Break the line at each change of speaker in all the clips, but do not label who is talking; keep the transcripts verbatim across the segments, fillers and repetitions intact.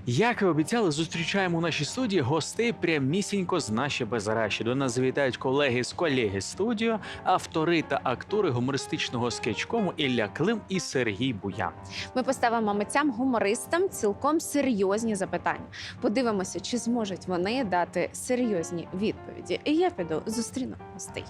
Як і обіцяли, зустрічаємо у нашій студії гостей прямісінько з наші Базараші. До нас завітають колеги з колеги студіо, автори та актори гумористичного скетчкому Ілля Клим і Сергій Буян.
Ми поставимо митцям-гумористам цілком серйозні запитання. Подивимося, чи зможуть вони дати серйозні відповіді. І я піду зустріну гостей.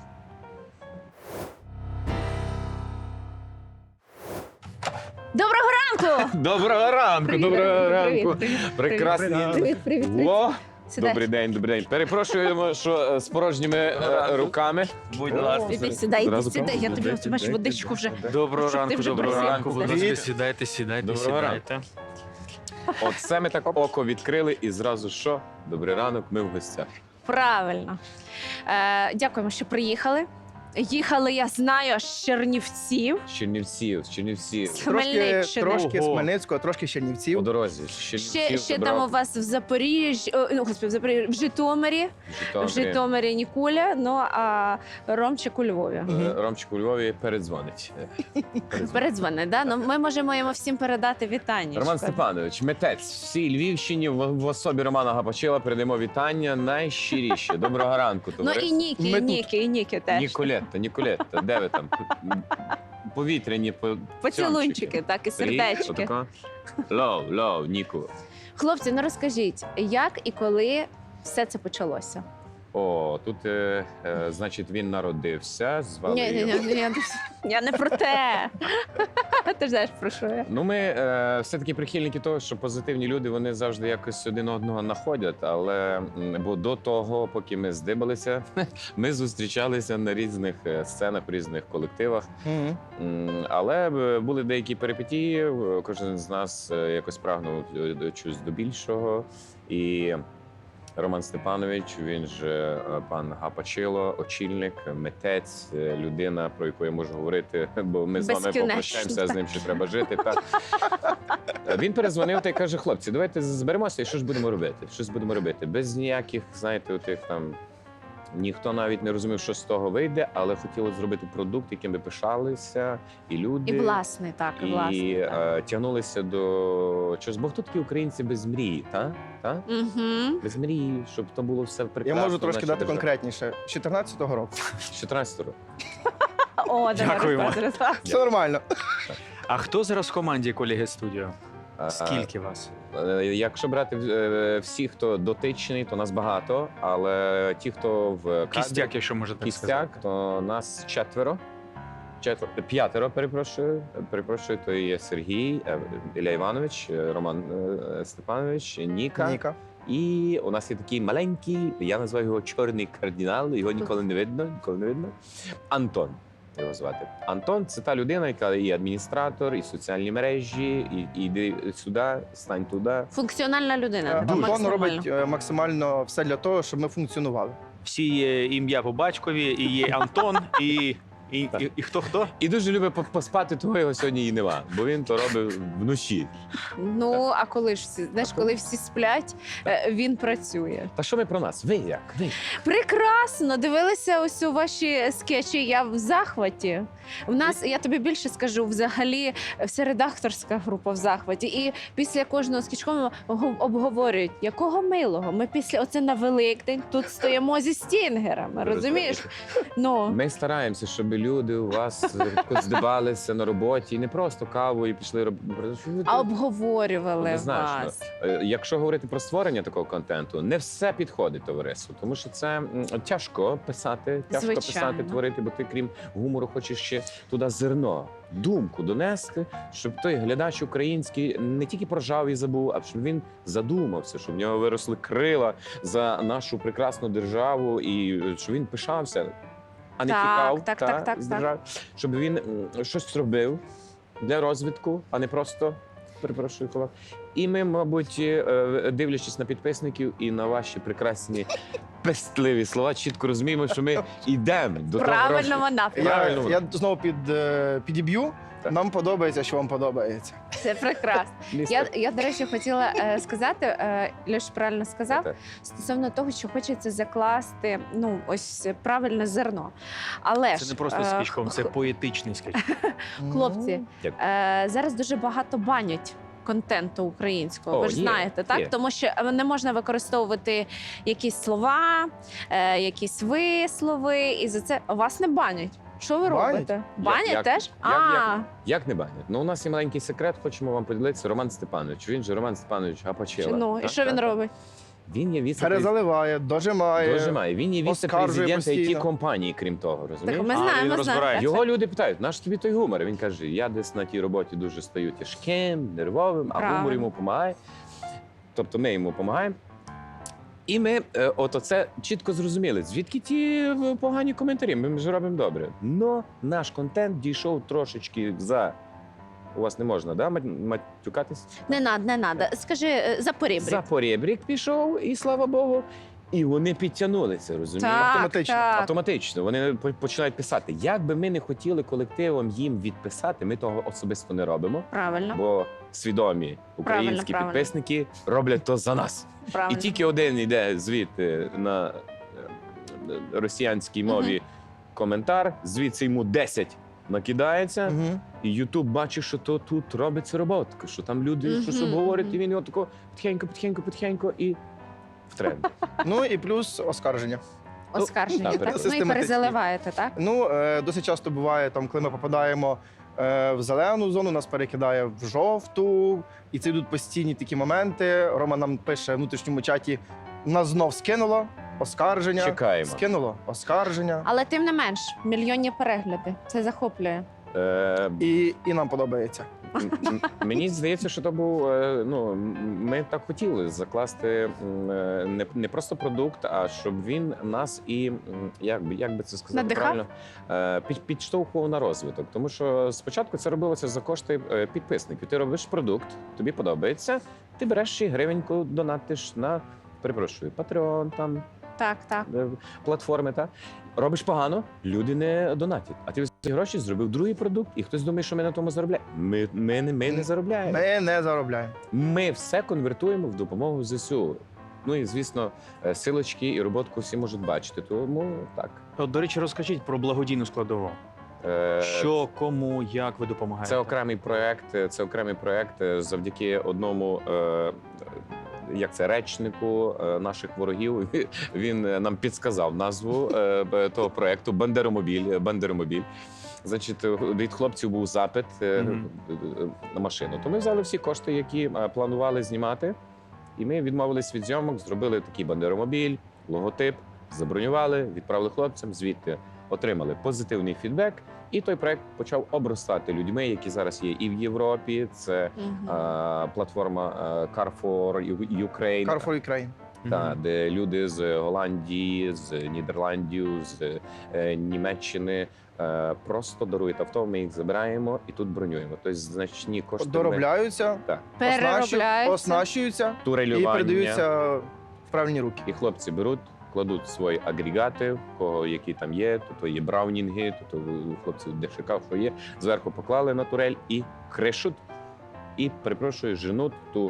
Доброго ранку!
Доброго ранку,
Привіт,
доброго
привіт,
ранку.
привіт,
Прекрасні.
Привіт, привіт, привіт.
О,
Сідай.
добрий день, добрий день. Перепрошуємо, що е, з порожніми е, руками.
Будь
ласка.
Іди сюди, іди
Зразу
сюди. Я тобі
каву?
от, бачиш, водичку вже.
Доброго
Щоб ти
ранку,
вже
доброго
присів.
ранку. Будь ласка,
Привіт.
сідайте, сідайте,
Доброго
сідайте.
Оце ми так око відкрили і зразу що? Добрий ранок, ми в гостях.
Правильно. Е, дякуємо, що приїхали. Їхали, я знаю, з Чернівців,
З Чернівців, з Чернівців.
з
Трошки,
Хмельниччини.
трошки з
Ого.
Хмельницького, трошки з
По
Чернівців.
дорозі. З Чернівців
Ще, ще
забрав
там у вас в Запоріжжі, о, ну, господи, в Запоріжжі, в Житомирі,
Житомирі.
в Житомирі Нікуля, ну а Ромчик у Львові.
Е, Ромчик у Львові передзвонить. Е, передзвонить.
Передзвони, да? Ну, ми можемо йому всім передати вітання.
Роман Степанович, митець, всій Львівщині в, в особі Романа Гапачила передаємо вітання найщиріше. Доброго ранку,
Ну
товариство.
і Нікі,
Ми
і
тут.
Нікі, і Нікі теж.
Ніколетта, Ніколетта, де ви там? Повітряні по...
Поцілунчики, так, і сердечки.
Отако. Лов, лов, Ніку.
Хлопці, ну розкажіть, як і коли все це почалося?
О, тут, е, е, значить, він народився, звали
Ні, ні,
його.
ні, я, я не про те. Ти ж знаєш, про що я.
Ну, ми е, все-таки прихильники того, що позитивні люди, вони завжди якось один одного знаходять, але м, бо до того, поки ми здибалися, ми зустрічалися на різних е, сценах, в різних колективах.
Мгм.
М, Але е, були деякі перипетії, е, кожен з нас е, якось прагнув е, до чогось до більшого. І Роман Степанович, він же е, пан Гапачило, очільник, митець, е, людина, про яку я можу говорити, бо ми з вами
Безкінечно,
попрощаємося, з ним ще треба жити. Та. Е, Він перезвонив та й каже: хлопці, давайте зберемося і що ж будемо робити? Щось будемо робити. Без ніяких, знаєте, отих там. Ніхто навіть не розумів, що з того вийде, але хотіло зробити продукт, яким би пишалися, і люди.
І власний, так, і
І
власний. так.
е, тягнулися до чогось. Бо хто такі українці без мрії, та? Та?
Угу.
Без мрії, щоб то було все
Я
прекрасно.
можу трошки
в нашій
дати
державі.
конкретніше. З чотирнадцятого року.
З чотирнадцятого року.
О, давай
Дякуємо.
розказуй.
Все нормально.
А хто зараз в команді колеги студіо?
А,
Скільки вас?
е, Якщо брати е, всіх, хто дотичний, то нас багато, але ті, хто в кадрі,
Кістяк, якщо можна так
кістяк,
сказати.
то нас четверо. Четверо, п'ятеро, перепрошую. Перепрошую, то є Сергій, е, Ілля Іванович, е, Роман е, Степанович, Ніка.
Ніка.
І у нас є такий маленький, я називаю його чорний кардинал, його ніколи не видно, ніколи не видно. Антон його звати. Антон це та людина, яка і адміністратор, і соціальні мережі, і, і йди сюди, стань туди.
Функціональна людина.
Е,
така
Антон
максимально.
робить е, максимально все для того, щоб ми функціонували.
Всі є ім'я по батькові, і є Антон, і, і, і, і хто-хто?
І дуже любить по- поспати, того його сьогодні і нема, бо він то робить вночі.
Ну, а коли ж всі, знаєш, коли всі сплять, е, він працює.
Та що ми про нас? Ви як? Ви?
Прекрасно! Дивилися ось у ваші скетчі. Я в захваті. У нас, я тобі більше скажу, взагалі вся редакторська група в захваті. І після кожного скетчкому обговорюють, якого милого. Ми після оце на Великдень тут стоїмо зі стінгерами. Розумієш? Ну
Ми стараємося, щоб люди у вас здибалися на роботі і не просто каву і пішли робити.
а обговорювали
Однозначно.
вас.
Е, Якщо говорити про створення такого контенту, не все підходить товариству, тому що це м, тяжко писати, тяжко
Звичайно.
писати, творити, бо ти, крім гумору, хочеш ще туди зерно, думку донести, щоб той глядач український не тільки прожав і забув, а щоб він задумався, щоб в нього виросли крила за нашу прекрасну державу, і е, щоб він пишався, а не
Так,
тікав
так,
та,
так, так,
з
так.
держави, щоб він м, щось зробив для розвитку, а не просто. Перепрошую, колег. І ми, мабуть, е, дивлячись на підписників і на ваші прекрасні пестливі слова, чітко розуміємо, що ми йдемо до того
Правильному
розвитку.
напрямку.
Я,
Правильно.
я знову під, е, підіб'ю.
Так.
Нам подобається, що вам подобається.
Це прекрасно. Я,
Містер.
я, до речі, хотіла е, сказати, е, Льош правильно сказав,
Так.
стосовно того, що хочеться закласти ну ось правильне зерно. Але
Це
ж,
не просто
е,
скетчком, це
х-
поетичний скетч.
хлопці,
Дякую.
е, зараз дуже багато банять контенту українського.
О,
Ви ж
є,
знаєте, так?
є.
Тому що не можна використовувати якісь слова, е, якісь вислови, і за це вас не банять. Що ви
Банять?
робите? Банять
як-
теж?
як-
а,
Як не банять? Ну, у нас є маленький секрет, хочемо вам поділитися. Роман Степанович. Він же Роман Степанович Гапачела.
ну, і
Так,
що він
так, так.
робить?
Він є віце
Перезаливає, дожимає.
Дожимає. Він є
оскаржує
віце-президент ай ті
постійно.
компанії, крім того, розумієш?
Так ми
А,
знаємо,
він
ми
розбирає.
знаємо.
Його люди питають, наш тобі той гумор? Він каже: я десь на тій роботі дуже стаю тяжким, нервовим, а
Правильно.
гумор йому допомагає. Тобто ми йому допомагаємо. І ми е, от оце чітко зрозуміли, звідки ті е, погані коментарі. Ми ж робимо добре. Но наш контент дійшов трошечки за. У вас не можна, да, мат- матюкатись?
Не надо, не надо. Скажи, е, за порібрик.
За поребрік пішов, і слава Богу. І вони підтягнулися, розумієш?
Так,
Автоматично,
так.
Автоматично вони по- починають писати. Як би ми не хотіли колективом їм відписати, ми того особисто не робимо,
Правильно,
бо свідомі українські
правильно.
підписники роблять то за нас.
правильно.
І тільки один йде звідти на е, росіянській мові коментар, звідси йому десять накидається,
Мгм.
і Ютуб бачить, що то тут робиться роботка, що там люди
Мгм,
щось обговорюють,
мгм.
і він його тако потихеньку, потихеньку, потихеньку і в тренд.
Ну і плюс оскарження.
Оскарження,
так,
так? Ну і
систематично.
перезаливаєте, так?
Ну, е, досить часто буває, там, коли ми попадаємо е, в зелену зону, нас перекидає в жовту, і це йдуть постійні такі моменти. Рома нам пише в внутрішньому чаті: нас знов скинуло, оскарження.
Чекаємо.
Скинуло, оскарження.
Але тим не менш, мільйонні перегляди. Це захоплює.
Е,
І, і нам подобається.
М- м- Мені здається, що то був е, ну м- ми так хотіли закласти м, е, не, не просто продукт, а щоб він нас і м, як би як би це сказати
Надихав?
правильно е, під, підштовхував на розвиток. Тому що спочатку це робилося за кошти е, підписників. Ти робиш продукт, тобі подобається. Ти береш ще й гривеньку, донатиш на перепрошую, Patreon, там
Так, так.
е, платформи. Та робиш погано, люди не донатять. А ти за ці гроші зробив другий продукт, і хтось думає, що ми на тому заробляємо. Ми, ми, не- ми не заробляємо.
Ми не заробляємо.
Ми все конвертуємо в допомогу ЗСУ. Ну і звісно, е, силочки і роботку всі можуть бачити. Тому так.
От, до речі, розкажіть про благодійну складову.
Е,
Що, кому, як ви допомагаєте?
Це окремий проект. е, Це окремий проект е, завдяки одному. е, Як це речнику е, наших ворогів? Він е, нам підсказав назву е, б- того проекту Бандеромобіль. Бандеромобіль. Значить, е, від хлопців був запит е,
Мгм.
е, на машину. То ми взяли всі кошти, які е, планували знімати, і ми відмовились від зйомок, зробили такий бандеромобіль, логотип, забронювали, відправили хлопцям. Звідти отримали позитивний фідбек. І той проект почав обростати людьми, які зараз є і в Європі. Це
Мгм.
е, платформа е, Car for Ukraine,
Car for Ukraine.
та,
Мгм.
де люди з Голландії, з Нідерландів, з е, Німеччини е, просто дарують авто. Ми їх забираємо і тут бронюємо. Тобто значні кошти ми-
Доробляються,
Так.
Переробляються.
оснащуються і
турелювання.
передаються в правильні руки.
І хлопці беруть, кладуть свої агрегати, в кого які там є, то, то є браунінги, то, то у хлопців де шукав, що є. Зверху поклали на турель і кришуть, і, перепрошую, женуть ту.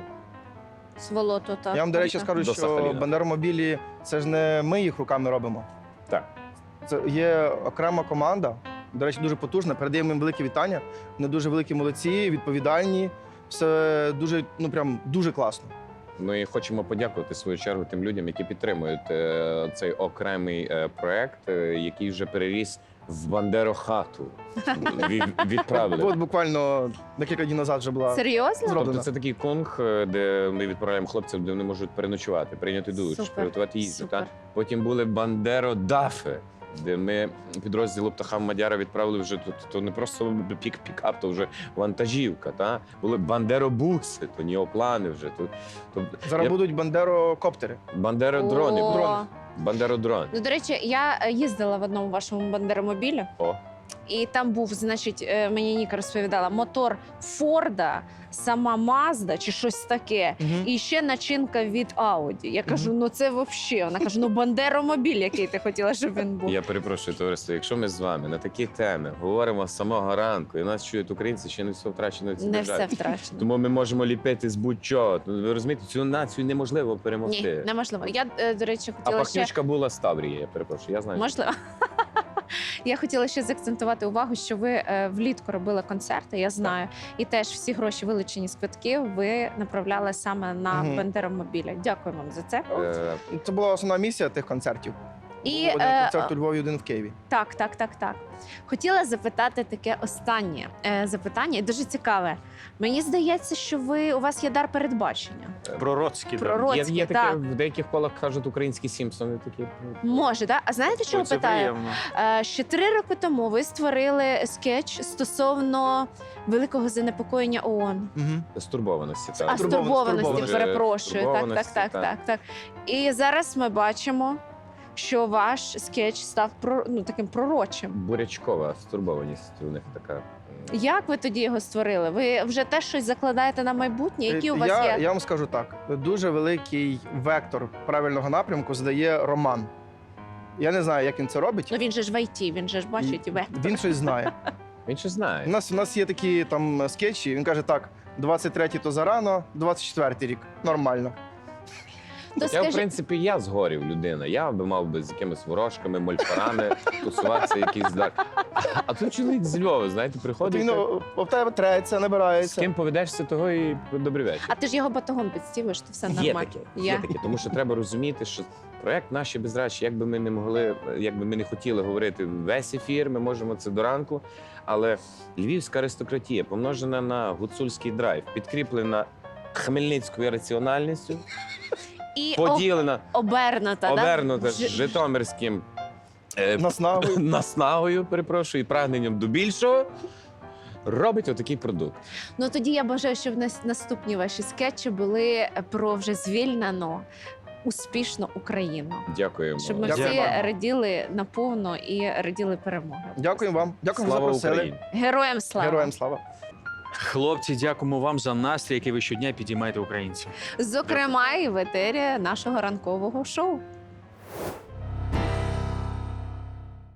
Сволоту, так.
Я вам, до речі,
так.
скажу,
До
що
Сахаліна.
бандеромобілі це ж не ми їх руками робимо.
Так.
Це є окрема команда, до речі, дуже потужна. Передаємо їм велике вітання. Вони дуже великі молодці, відповідальні. Все дуже, ну прям дуже класно.
Ми хочемо подякувати в свою чергу тим людям, які підтримують е, цей окремий е, проект, е, який вже переріс в Бандерохату. Від, відправили.
От буквально декілька днів назад вже була
Серйозно?
зроблена.
Тобто це такий конг, е, де ми відправляємо хлопців, де вони можуть переночувати, прийняти душ,
Супер,
приготувати їжу.
супер.
Та? Потім були Бандеродафи, де ми підрозділу Птахам Мадяра відправили вже то, то не просто пік пікап, то вже вантажівка. Та? Були бандеробуси, то неоплани вже. То, то
Зараз
я-
будуть бандерокоптери.
бандеродрони.
О.
будуть. Бандеродрон.
Ну, до речі, я е, їздила в одному вашому бандеромобілі,
О.
і там був, значить, е, мені Ніка розповідала, мотор Форда, сама Мазда чи щось таке. І ще начинка від Ауді. Я кажу, ну це взагалі. Вона каже, ну бандеромобіль, який ти хотіла, щоб він був.
Я перепрошую, товариство. Якщо ми з вами на такі теми говоримо з самого ранку, і нас чують українці, ще не все втрачено в цій
Не
державі.
все втрачено.
Тому ми можемо ліпити з будь-чого. Ну, ви розумієте, цю націю неможливо
Ні,
перемогти.
неможливо. Я, е, до речі,
А
хотіла ще...
пахнючка була з Таврії, я перепрошую. Я знаю.
Можливо. Я хотіла ще заакцентувати увагу, що ви е, влітку робили концерти, я знаю, і теж всі гроші, вилучені з квитків, ви направляли саме на
Мгм.
Бандеромобіля. Дякую вам за це.
Е,
Це була основна місія тих концертів.
І
Був один
е,
концерт у Львові, один в Києві.
так, так, так, так. Хотіла запитати таке останнє е, запитання, і дуже цікаве. Мені здається, що ви у вас є дар передбачення.
Пророцькі. да.
Пророцькі,
є, є таке,
так.
в деяких колах кажуть, українські Сімпсони такі.
Може, так? А знаєте, чого
Ой, це
питаю?
приємно.
Е, Ще три роки тому ви створили скетч стосовно великого занепокоєння ООН.
Угу.
Стурбованості.
А
Так.
Стурбованості,
стурбованості,
стурбованості.
перепрошую. Так, так,
Стурбованості,
так,
так.
так, так. І зараз ми бачимо, що ваш скетч став про, ну, таким пророчим.
Бурячкова стурбованість у них така. м,
Як ви тоді його створили? Ви вже теж щось закладаєте на майбутнє? Які у вас
Е, я,
є?
я вам скажу так: дуже великий вектор правильного напрямку задає Роман. Я не знаю, як він це робить.
Ну він же ж в ай ті, він же ж бачить вектор.
Він щось знає.
Він ще
У
знає.
нас, у нас є такі там скетчі. Він каже: так, двадцять третій то зарано, двадцять четвертий рік. Нормально.
То
Я, в
скажи,
принципі, я згорів людина. Я би мав би з якимись ворожками, мольфарами тусуватися якийсь так. А тут чоловік з Львова, знаєте,
От
приходить.
він
так,
о, об тебе треться,
з
набирається.
ким поведешся, того і добрий вечір.
а ти ж його батогом підстівиш, то все
Є
нормально.
таке, є
Є.
таке, тому що треба розуміти, що проект наші безрачі, як би ми не могли, як би ми не хотіли говорити весь ефір, ми можемо це до ранку. Але львівська аристократія, помножена на гуцульський драйв, підкріплена хмельницькою раціональністю,
І об-
поділена,
обернута,
обернута
да? Ж-
житомирським е,
Наснагою.
наснагою, перепрошую, і прагненням до більшого, робить отакий продукт.
Ну тоді я бажаю, щоб нас- наступні ваші скетчі були про вже звільнену, успішну Україну.
Дякуємо.
Щоб ми
Дякую
всі
вам.
раділи наповно і раділи перемоги.
Дякуємо вам. Дякуємо, що
Слава
запросили.
Україні!
Героям слава!
Героям слава.
Хлопці, дякуємо вам за настрій, який ви щодня підіймаєте українців.
Зокрема, і в етері нашого ранкового шоу.